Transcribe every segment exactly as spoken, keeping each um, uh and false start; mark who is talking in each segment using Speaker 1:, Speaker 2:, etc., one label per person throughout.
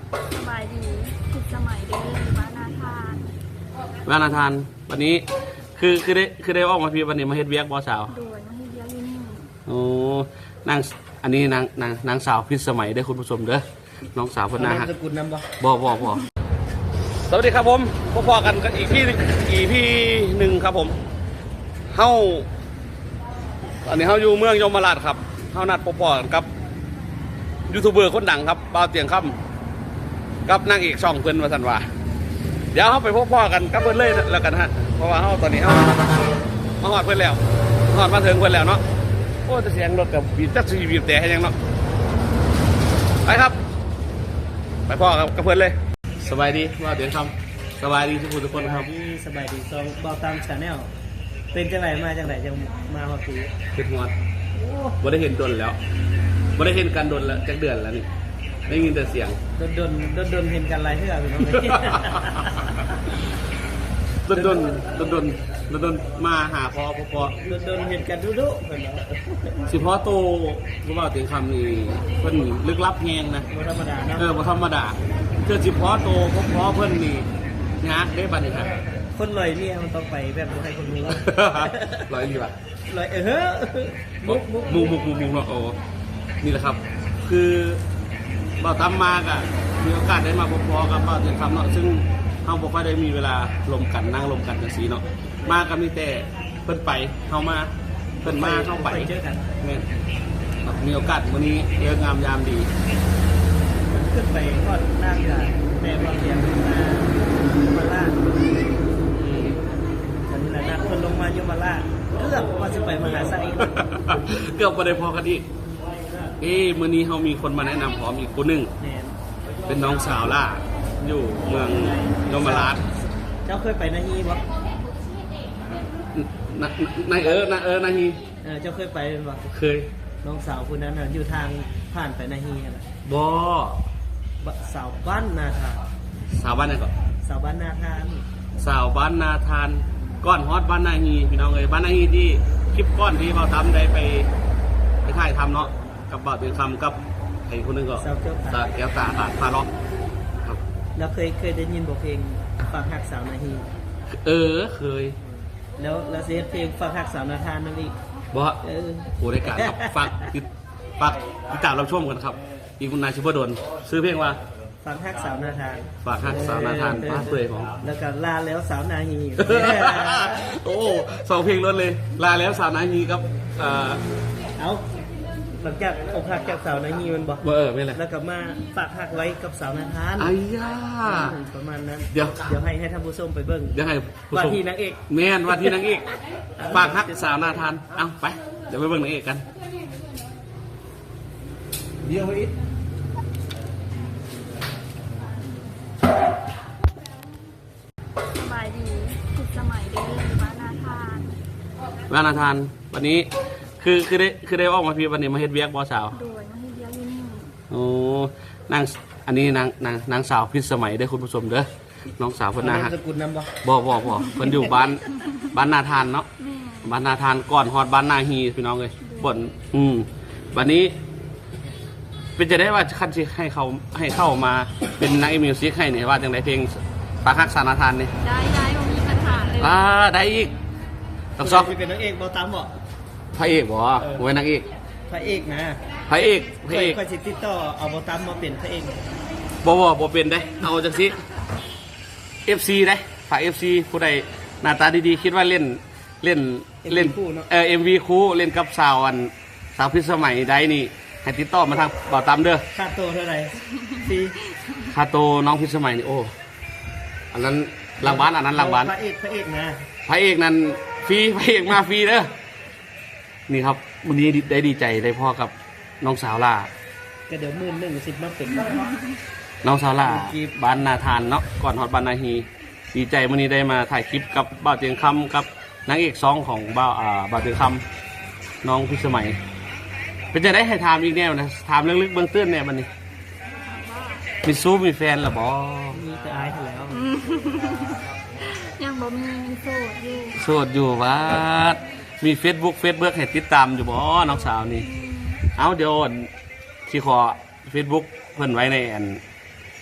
Speaker 1: สบายดีผิดสมัยเด้อบ้านนาทาน
Speaker 2: บ้านนาทานวันนี้คือคือได้คือได้ออกมาพี่วันนี้มาเฮ็ดเวียกบ่สาว
Speaker 1: โดยมาเฮ็ดเวียกอยู่นี่
Speaker 2: โอ้นางอันนี้นางนางนางสาวพิสมัยได้คุณผู้ชมเด้อน้องสาวเพิ่นน่าฮักบ่บ่บ่สวัสดีครับผมพอๆกันกันอีกพี่อีพี่หนึ่งครับผมเฮาอันนี้เฮาอยู่เมืองยมราชครับเฮานัดพอๆกันกับยูทูบเบอร์คนดังครับบ่าวเตียงค่ำกับนางเอกช่องเพิ่นว่าซั่นว่าเดี๋ยวเฮาไปพบๆกันกับเพิ่นเลยแล้วกันฮะเพราะว่าเฮาตอนนี้เฮามาฮอดเพิ่นแล้วฮอดมาถึงเพิ่นแล้วเนาะโอ้จะเสียงรถกับบีบจักสิบีบแต่ให้ยังเนาะไปครับไปพ่อกับกับเพิ่นเลยสบายดีบ่าวเตียงค่ำสบายดีทุกคนทุกคนครับ
Speaker 3: สบายดีซองบ่าวตามชาแนลเป็นจังไรมาจังไรจังมาฮอดปี
Speaker 2: เป็นฮอดบ่ได้เห็นดนแล้วบ่ได้เห็นกันดนแล้วจักเดือนแล้วนี่ได้ยินแต่เสียง
Speaker 3: ดนดนดนดนเห็นกันไรเท่าพี่น้อง
Speaker 2: ดนดนดนดนดนดนมาหาพ่อพ่อพ่อ
Speaker 3: ดนดนเห็นกันดุดุเพิ่นเนาะ
Speaker 2: สิพ่อโตบ่ว่าถึงคำนี้เพิ่นลึกลับแฮงนะ
Speaker 3: บ่ธรรมดาเนาะ
Speaker 2: เออบ่ธรรมดาเจอสิพ่อโตพ่อพ่อเพิ่นนี่ยากได้บัดนี้ครับ
Speaker 3: คนลอยเนี่ยมันต้องไปแบบบ่ให้คนรู้
Speaker 2: ลอยอยู่อ่ะ
Speaker 3: ลอยเออเฮ้อมุกมุก
Speaker 2: มุกมุกมุกมุกเนาะโอ้นี่แหละครับคือบ่าวตามมากอ่ะมีโอกาสได้มาพบพ่อกับบ่าวถึงคำเนาะซึ่งเฮาบ่ค่อยได้มีเวลาลมกันนั่งลมกันจังซี่เนาะมาก็มีแต่เพิ่นไปเฮามาเพิ่นมาเฮาไป
Speaker 3: เจอกัน
Speaker 2: แม่นมีโอกาสวันนี้เรืองามยามดี
Speaker 3: ขึ้นไปทอดหน้าเรือแม่บ่าวเตียงมามาล่าอืมอันนี้แหละนัดเพิ่นลงมายมราชเกือบว่าสิไปมหาไส
Speaker 2: เกือบบ่ได้พอกันอีกเอ้มื้อนี้เฮามีคนมาแนะนำพร้อมอีกคนนึงเป็นน้องสาวล่ะอยู่เมืองยมราช
Speaker 3: เจ้าเคยไปนาฮีบ่
Speaker 2: นายเออนายเออนายฮี
Speaker 3: เออเจ้าเคยไปบ่
Speaker 2: เคย
Speaker 3: น้องสาวคนนั้นน่ะอยู่ทางผ่านไปนาฮีน่ะ
Speaker 2: บ่
Speaker 3: สาวบ้านนาทาน
Speaker 2: สาวบ้านไหนก่อน
Speaker 3: สาวบ้านนาทาน
Speaker 2: สาวบ้านนาทานก้อนฮอตบ้านนาฮีพี่น้องเอ้ยบ้านนาฮีที่คลิปก้อนที่เราทำได้ไปไปถ่ายทำเนาะกับบ่าวเป็นคำกับไอ้คนนึงก็สาวแก้วตาแก้วตาขาดพาล็อกครับ
Speaker 3: แล้วเคยเคยได้ยินบทเพลงฝากหักสาวนาฮี
Speaker 2: เออเคย
Speaker 3: แล้วแล้วเสียเพลงฝากหักสาวนาทานนั่นอีก
Speaker 2: บ่เออโอ้รายการครับฝากติดฝากติดตามรับชมกันครับอีกคุณนายชิบดลซื้อเพลงว่า
Speaker 3: ฝากหักสาวนาทาน
Speaker 2: ฝากหักสาวนาทานป้าเปยของ
Speaker 3: แล้วก็ลาแล้วสาวนาฮี
Speaker 2: โอ้สองเพลงล้วนเลยลาแล้วสาวนาฮีครับเออ
Speaker 3: เอาหลังจากอกหักจากสาวนาฮีมันบอก
Speaker 2: เออไม่เลย
Speaker 3: แล้วก็มาฝากหักไว้กับสาวนาทาน
Speaker 2: ไอ้ย่า
Speaker 3: ประมาณนั้น
Speaker 2: เดี๋ยว
Speaker 3: เดี๋ยวให้ให้ท่านผู้ชมไปเบิ้ง
Speaker 2: เดี๋ยวให้
Speaker 3: ว่าที่นางเอก
Speaker 2: แม่นว่าที่นางเอกฝากหักสาวนาทานเอาไปเดี๋ยวไปเบิ้งนางเอกกัน
Speaker 3: เดี๋ยวอีก
Speaker 1: สบายดีผิดสมัยเด้อบ้านนาทาน
Speaker 2: บ้านนาทานวันนี้คือคือได้คือได้ออกมาพี่วันนี้มาเฮ็ดเวียกบ่สาว
Speaker 1: โดยมาเฮ็ดเวียกอยู่นี่
Speaker 2: โอ้นางอันนี้นางนางนางสาวพิสมัยได้คุณผู้ชมเด้อน้องสาวเพิ่นน่าฮักบ่บ่บ่เพิ่นอยู่บ้านบ้านนาทานเนาะบ้านนาทานก่อนฮอดบ้านนาฮีพี่น้องเอ้ยบ่นอืมวันนี้เป็นจะได้ว่าคันสิให้เขาให้เข้ามาเป็นนักมิวสิกให้นี่ว่าจังได๋เพลงปากฮักสาวนาทานนี่
Speaker 1: ได้ได้บ่มีปัญหาเลย
Speaker 2: อ่าได้อีกต้องซอก
Speaker 3: เป็นนางเอกบ่ตามบ่
Speaker 2: พระเอกบ่โว้ยนางเอก
Speaker 3: พระเอกนะ
Speaker 2: พระเอกพระเอก
Speaker 3: ค่อยสิติดต่อเอาบ่ตามมาเป็นพระเอก
Speaker 2: บ่บ่บ่เป็นได้เอาจังซี่ เอฟ ซี ได้ฝาก เอฟ ซี ผู้ใดหน้าตาดีๆคิดว่าเล่นเล่นเล่นเออ เอ็ม วี คู่เล่นกับสาวอันสาวพิสมัยได้นี่ให้ติดต่อมาทางบ่าวตามเด้อ
Speaker 3: ค่าโตเท่าไหร่ฟรี
Speaker 2: ค่าโตน้องพิสมัยนี่โอ้อันนั้นรางวัลอันนั้นรางวัล
Speaker 3: พระเอกพระเอกนะ
Speaker 2: พระเอกนั้นฟรีพระเอกมาฟรีเด้อนี่ครับวันนี้ได้ดีใจได้พ่อกับน้องสาวล่า
Speaker 3: ก็เดี๋ยวมื่นหนึ่งสิบมาเป็น
Speaker 2: น้องสาวล่าบ้านนาทานเนาะก่อนฮอดบ้านนาฮีดีใจวันนี้ได้มาถ่ายคลิปกับบ่าวเตียงคำกับนางเอกสองของบ่าวอ่าบ่าวเตียงคำน้องพิสมัยเป็นจะได้ให้ถามอีกแนวนะถามลึกๆเบื้องต้นเนี่ยมันนี่มีซูมีแฟนหรือบ่
Speaker 3: มีแต่อายแล้ว
Speaker 1: ยังบ่มีโสดอยู่
Speaker 2: โสดอยู่วัดมีเฟซบุ๊กเฟซบุ๊กให้ติดตามอยู่บ่น้องสาวนี่เอาเดี๋ยวที่ขอเฟซบุ๊กเพิ่นไว้ในอัน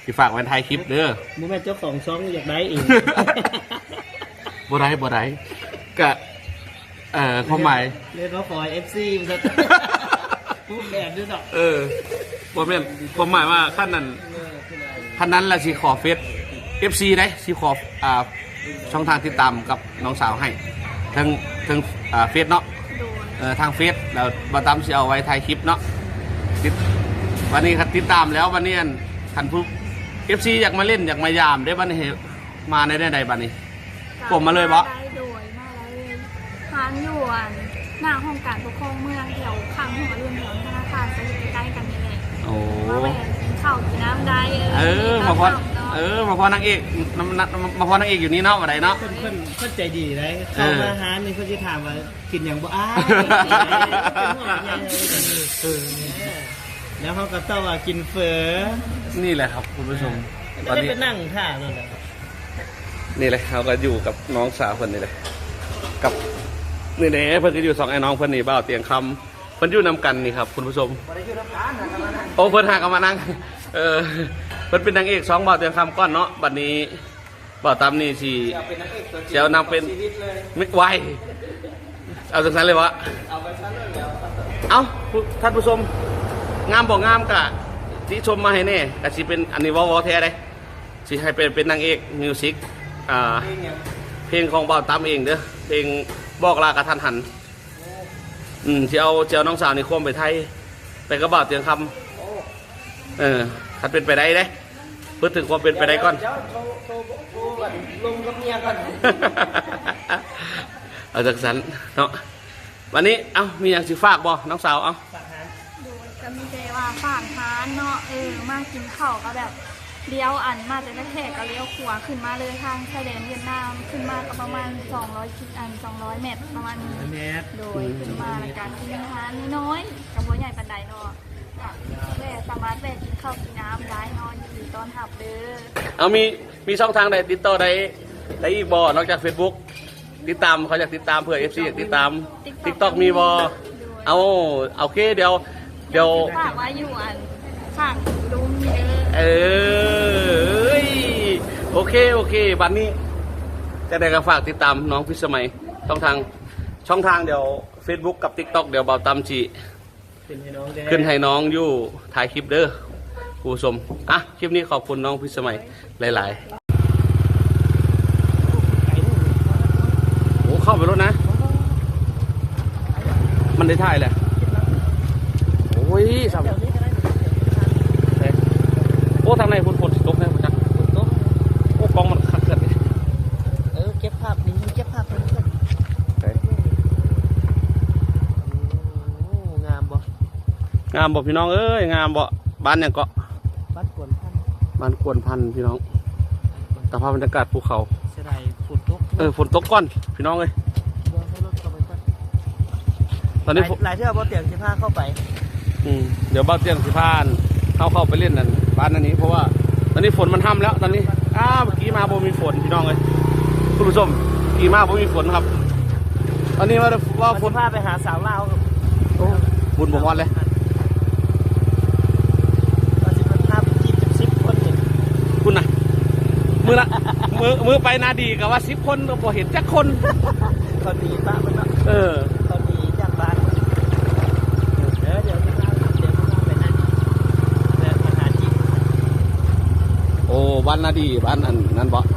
Speaker 2: สิฝากไว้ท้ายคลิปเด้อ
Speaker 3: มูแม่เจ้าของช่องอยากได้อีก
Speaker 2: บ่ได้บ่ได้ก็เอ่อความหมาย
Speaker 3: เรียกเขาฟอยเอฟซีมันจะพูดแบบด้วยดอก
Speaker 2: เออบ่แม่นความหมายว่าขั้นนั้นขั้นนั้นละสิขอเฟซ เอฟ ซี ได้สิขออ่าช่องทางติดตามกับน้องสาวให้ทั้งทั้งอ่าเฟซเนาะ
Speaker 1: โดย
Speaker 2: เออทางเฟซแล้วบ่ตามสิเอาไว้ถ่ายคลิปเนาะติดวันนี้ครับติดตามแล้ววันนี้คันผู้ เอฟ ซี อยากมาเล่นอยากมายามได้บัดนี้มาในได้ใดบัดนี้ ผมมาเลยบ่
Speaker 1: ได้โดยมาเลยทานอยู่อันหน้าห้องการปกครองเมืองแถวข้างหัวรุ่นแถวธนาคารจะอยู่ใกล้ๆกันนี่แหละ
Speaker 2: โอ้
Speaker 1: มาแวะกินข้าวกินน้ำได้
Speaker 2: เออมาพอ
Speaker 1: ตมเนาะ
Speaker 2: เออมาพอนางเอกมามามาพอนางเอกอยู่นี่เนาะวันไหนเนาะ
Speaker 3: เพิ่นเพิ่นเพิ่นใจดีเลยเข้ามาหานี่เพิ่นจะถามว่ากินอย่างบ่อ้ายเป็นห่วงใยเลยเออแล้วเขาก็ต้องว่ากินเฟอ
Speaker 2: นี่แหละครับคุณผู้ชมต
Speaker 3: ก็
Speaker 2: อน
Speaker 3: ได้
Speaker 2: นี้
Speaker 3: ไปนั่งท่านั่นแหละ
Speaker 2: นี่เลยเขาก็อยู่กับน้องสาวคนนี้เลยกับนี่เน่เพิ่นก็อยู่สองไอ้น้องเพิ่นนี่เบ้าเตียงคำเพิ่นอยู่นำกันนี่ครับคุณผู้ชมโอ้เพิ่นหากันมานั่งเออเพิ่นเป็นนางเอกสองเบ้าเตียงคำก้อนเนาะบัดนี้เบ้าตามนี่สิเจ้านางเป็นไม่ไหวเอาจากนั้นเลยวะเอาท่านผู้ชมงามบอกงามกะที่ชมมาให้แน่กะสิเป็นอันนี้วอวอแท้เลยสิให้เป็นเป็นนางเอกมิวสิกอ่าเพลงของเบาตามเองเด้อเพลงบอกลากระทันหันอืมที่เอาเจ้าน้องสาวนี่ควมไปไทยไปกระบ่าวเตียงคำเออถ้าเป็นไปได้เด้พูดถึงความเป็นไปได้ก่อน
Speaker 3: เดี๋ยวโทรโทรโทรก่อนลงกับเมียก่อน
Speaker 2: เอาจากสันเนาะวันนี้เอ้ามีอย่างสิฝากบ่น้องสาวเอ้า
Speaker 1: โดยก็มีแต่ว่าฝากทานเนาะเออมากินข้าวก็แบบเลี้ยวอันมาจากแขกก็เลี้ยวขวาขึ้นมาเลยทางชายแดนเวียดนามขึ้นมาก็ประมาณสองร้อยคิดอันสองร้อยเมตรประมาณนี้
Speaker 3: แมท
Speaker 1: โดยขึ้นมาในการกินอาหารน้อยๆกับบัวใหญ่ปันไดเนาะก็แม่สามารถแวะกินข้าวกินน้ำย้ายนอนอยู่ต้อนหับเด้อ
Speaker 2: เอามีมีช่องทางใดติดต่อได้ได้อีกบ่นอกจาก Facebook ติดตามเขาอยากติดตามเพื่อ เอฟ ซี อยากติดตาม TikTok มีบ่เอาโอเคเดี๋ยวเดี๋ยว
Speaker 1: ฝากไว้อยู่อันข้างลุงเด้อ
Speaker 2: เออโอเคโอเคบัดนี้จะได้ก็ฝากติดตามน้องพิสมัยช่องทางช่องทางเดี๋ยว Facebook กับ TikTok เดี๋ยวเบาตามจี
Speaker 3: ขึ้นให้น้องแดง
Speaker 2: ขึ้นให้น้องอยู่ถ่ายคลิปเด้อผู้ชมอ่ะคลิปนี้ขอบคุณน้องพิสมัยหลายๆโอ้เข้าไปรถนะ มันได้ถ่ายแหละโอ้ยสามโอ้ทางในฝนฝนตกนะคุณจักโอ้กองมันขัดเกิดเลย
Speaker 3: เออเก็บภาพนี้เก็บภาพนี้ก่อนโอ้งามบ่
Speaker 2: งามบ่พี่น้องเอ้ยงามบ่บ้านยังเกาะ
Speaker 3: บ้านกวนพัน
Speaker 2: บ้านกวนพันพี่น้องสภาพบรรยากาศภูเขา
Speaker 3: เสียดายฝนตก
Speaker 2: เออฝนตกก้อนพี่น้องเอ้ย
Speaker 3: เดี๋ยวให้รถเข้าไปก่อน
Speaker 2: ตอนนี้
Speaker 3: หลายเที่ยวบ่เตียงสิพาเข้าไป
Speaker 2: อืมเดี๋ยวบ้านเตียงสิพานเข้าเข้าไปเล่นนั่นบ้านอันนี้เพราะว่าตอนนี้ฝนมันห้ำแล้วตอนนี้อ้าวเมื่อกี้มาบ่มีฝนพี่น้องเอ้ยคุณผู้ชมเมื่อกี้มาบ่มีฝนครับ ตอนนี้ว่าว่าฝ
Speaker 3: ฝ
Speaker 2: น
Speaker 3: นพาไปหาสาวลาวครับ
Speaker 2: โอ้บุญบ่ฮอดเลย
Speaker 3: ว่าสิมันพาไปจีบเป็นสิบคนนี่
Speaker 2: คุณน่ะมือละมือมือไปนาดีกับว่าสิบคนก็บ่เห็นจักคน
Speaker 3: เขาดีป้ามันเนาะ
Speaker 2: เออ
Speaker 3: เขาดีจากบ้านเดี๋ยวเดี๋ยวจะพาเดี๋ยวจะพาไปนั่นเดี๋ยวมาหาจีบ
Speaker 2: โอ้บ้านนาดีบ้านอันนั้นบ่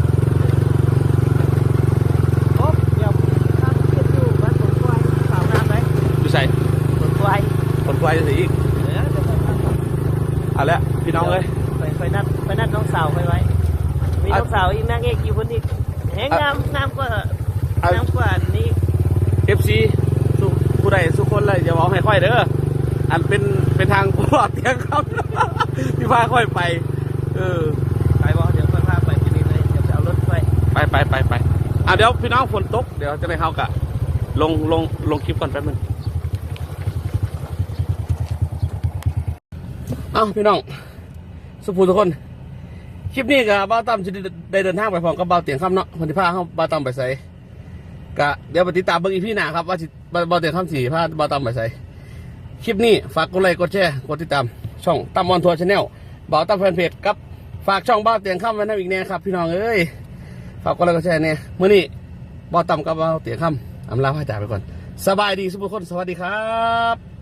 Speaker 3: โอ้เดี๋ยวข้ามขึ้นอยู่บ้านสวนควายสาวน้ำไหม
Speaker 2: อยู่ใส่
Speaker 3: สวนควาย
Speaker 2: คนควายจะสิอีก
Speaker 3: เดี๋ยวเดี๋ยวไปนั่น
Speaker 2: เอาละพี่น้องเอ้ย
Speaker 3: ไปไปนัดไปนัดน้องสาวไปไว้ มีน้องสาวอีกนางเอกอยู่คนอีกแหงงามงามกว่างามกว่านี้
Speaker 2: เอฟซีสุผู้ใดสุคนเลยอย่าเอาให้ค่อยเด้ออันเป็นเป็นทางปลอดเตียงครับ ที่พาค่อยไป เออ
Speaker 3: ไปบ่เดี๋ยวค่อยพาไปที่นี่เลยเดี๋ยวจะเอารถไป
Speaker 2: ไปไปไปไปอ่ะเดี๋ยวพี่น้องฝนตกเดี๋ยวจะได้เข้ากะลงลงลงคลิปก่อนแป๊บนึงเอ้าพี่น้องสุภูทุกคนคลิปนี้กับบ้าวตั้มจะได้เดินทางไปพร้อมกับบ้าวเตียงค่ำเนาะคนที่พาเขาบ้าวตั้มไปใส่กะเดี๋ยวไปติดตามเบิ่งอีพี่หน้าครับว่าสิบ้าวเตียงค่ำสี่พาบ้าวตั้มไปใส่คลิปนี้ฝากกดไลค์กดแชร์กดติดตามช่องตั้มออนทัวร์ชาแนลบ้าวตั้มแฟนเพจกับฝากช่องบ้าเตียงค่ำไว้นะอีกแน่ครับพี่น้องเอ้ยฝากกดไลค์กดแชร์เนี่ยเมื่อนี้บ่ต่ำกับบ้าเตียงค่ำอำลาพระจ่าไปก่อนสบายดีสุขทุกคนสวัสดีครับ